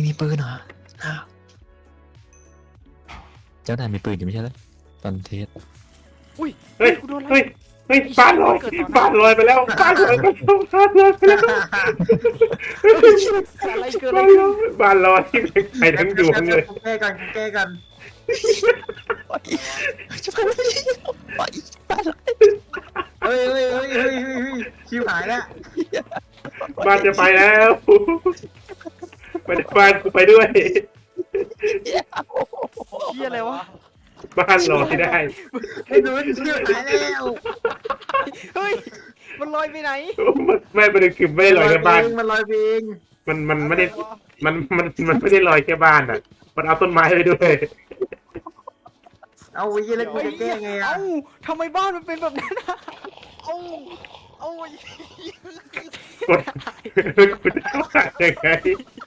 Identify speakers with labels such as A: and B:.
A: มีปืนเหรออ้าวเจ้านายมีปืนอยู่ไม่ใช่เหรอตอนเทส
B: อุ้ย
C: เฮ้ย
B: กูโดนอะไร
C: เฮ้ยเฮ้ยบ้านลอยบ้านลอยไปแล้วบ้านลอยไปแล้วบ้านลอยไปแล้ว
B: อะไรเกิดอะไรขึ้น
C: บ้านลอยใครทั้งดวงเลย
D: กูแก้กันกูแก้กัน
A: จะไปไม่ได้ไปบ้านเรา
D: เฮ้ยเฮ้ยเฮ้ยเฮ้ยเฮ้ยชิวหายแล้ว
C: บ้านจะไปแล้วไปบ้านกูไปด้วย
B: เชี่ยอะไรวะ
C: บ้านลอยได้
D: ไอ้หนูชิวหายแล้ว
B: เฮ้ยมันลอยไปไหน
C: ไม่ประเด็นคือไม่ได้ลอยแค่บ้าน
D: มันลอยเอง
C: มันไม่ได้มันไม่ได้ลอยแค่บ้านอ่ะมันเอาต้นไม้ไปด้วย
D: เอาไว้ยี่แล้วกูจะแก้ไงอ่ะ
B: เอ้าทำไมบ้านมันเป็นแบบนั้นอะเอ้าเอ้า
C: กดกูจะว่ายังไง